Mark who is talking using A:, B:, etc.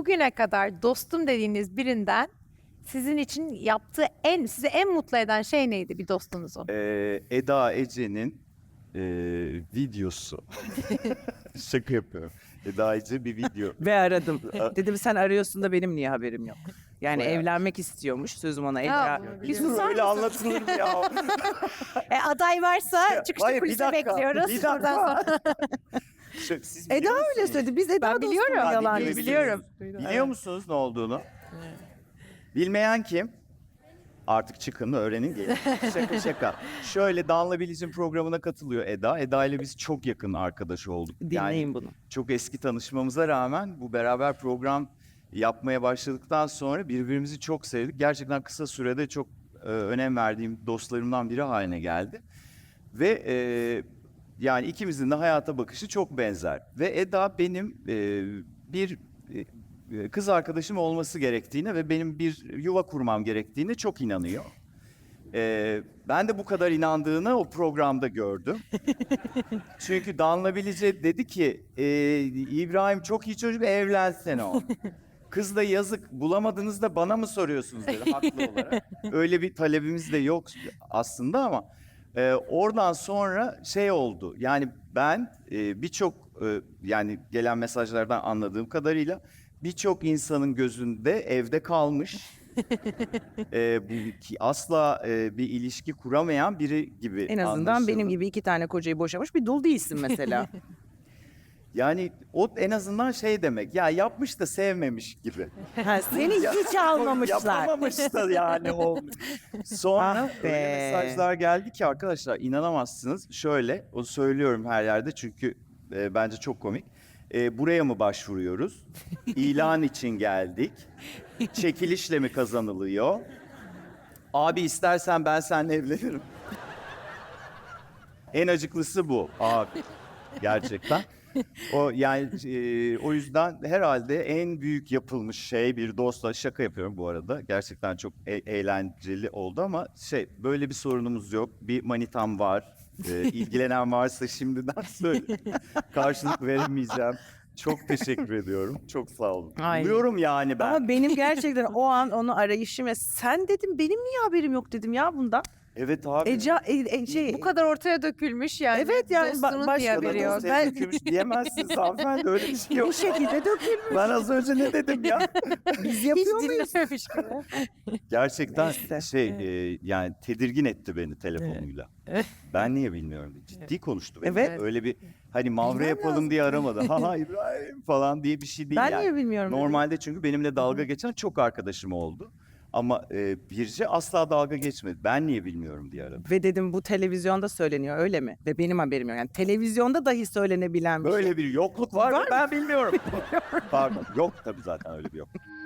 A: bugüne kadar dostum dediğiniz birinden sizin için yaptığı sizi en mutlu eden şey neydi bir dostunuzun?
B: Eda Ece'nin videosu. Şaka yapıyorum. Eda Ece bir video.
C: Ve aradım. Dedim sen arıyorsun da benim niye haberim yok? Yani
B: Bayağı.
C: evlenmek istiyormuş sözüm ona.
A: Ya,
C: Eda.
A: bunu
C: Bir susar
B: Öyle
C: mısın?
B: anlatılır mı ya?
A: Aday varsa çıkışta
B: Hayır, bir
A: kulise
B: dakika,
A: bekliyoruz.
B: bir
A: Buradan
B: dakika.
A: sonra.
B: Siz
C: Eda
B: biliyor
C: öyle
B: musunuz?
C: söyledi. Biz Eda
A: Ben
C: dostum
A: biliyorum.
C: yalan
B: Biliyor-
A: biliyorum.
B: Biliyor musunuz ne olduğunu? Bilmeyen kim? Artık çıkın öğrenin gelin. Şaka şaka. Şöyle Danla Bilic'in programına katılıyor Eda. Eda ile biz çok yakın arkadaş olduk.
C: Dinleyin bunu.
B: Çok eski tanışmamıza rağmen bu beraber program yapmaya başladıktan sonra birbirimizi çok sevdik. Gerçekten kısa sürede çok önem verdiğim dostlarımdan biri haline geldi. Ve yani ikimizin de hayata bakışı çok benzer. Ve Eda benim bir kız arkadaşım olması gerektiğine ve benim bir yuva kurmam gerektiğine çok inanıyor. Ben de bu kadar inandığını o programda gördüm. Çünkü Danla Bilici dedi ki İbrahim çok iyi çocuk, evlensene o. Kız da yazık, bulamadınız da bana mı soruyorsunuz dedi haklı olarak. Öyle bir talebimiz de yok aslında ama oradan sonra şey oldu. Yani ben birçok yani gelen mesajlardan anladığım kadarıyla birçok insanın gözünde evde kalmış. Asla bir ilişki kuramayan biri gibi
C: En azından
B: anlaşıldı.
C: benim gibi 2 tane kocayı boşamış bir dul değilsin mesela.
B: Yani o en azından şey demek, ya yapmış da sevmemiş gibi.
C: Ha, seni hiç almamışlar.
B: Yapamamış da yani o. Sonra
C: Ah be.
B: öyle mesajlar geldi ki arkadaşlar inanamazsınız. Şöyle, o söylüyorum her yerde çünkü bence çok komik. Buraya mı başvuruyoruz? İlan için geldik. Çekilişle mi kazanılıyor? Abi istersen ben seninle evlenirim. En acıklısı bu abi. Gerçekten. O yani o yüzden herhalde en büyük yapılmış şey bir dostla, şaka yapıyorum bu arada. Gerçekten çok eğlenceli oldu ama böyle bir sorunumuz yok. Bir manitam var. İlgilenen varsa şimdiden söyle. Karşılık veremeyeceğim. Çok teşekkür ediyorum. Çok sağ olun.
C: Ay.
B: Buluyorum yani ben.
C: Ama benim gerçekten o an onu arayışım ve sen dedim benim niye haberim yok dedim ya bundan.
B: Evet abi.
A: Bu kadar ortaya dökülmüş yani.
C: Evet yani
A: Dostunun
C: başka
A: diye
C: da
A: haberi yok.
C: dost- Ben-
B: Dökülmüş diyemezsiniz hanımefendi, öyle bir şey yok.
C: Bir şekilde dökülmüş.
B: Ben az önce ne dedim ya?
C: Biz
A: Hiç
C: yapıyor muyuz?
A: dinlememiş gibi.
B: Gerçekten
C: Neyse.
B: yani tedirgin etti beni telefonuyla. Ben niye bilmiyorum diye. Ciddi konuştu benimle.
C: Evet.
B: Öyle bir hani mavra
C: Bilmem
B: yapalım
C: lazım.
B: diye aramadı. Ha İbrahim falan diye bir şey değil
C: Ben
B: yani.
C: niye bilmiyorum dedim.
B: Normalde çünkü benimle dalga geçen çok arkadaşım oldu. Ama Birce asla dalga geçmedi. Ben niye bilmiyorum diye aradı.
C: Ve dedim bu televizyonda söyleniyor öyle mi? Ve benim haberim yok. Yani televizyonda dahi söylenebilen bir şey.
B: Böyle bir yokluk var,
C: Var
B: mı? Ben bilmiyorum. Pardon. Yok tabii zaten öyle bir yok.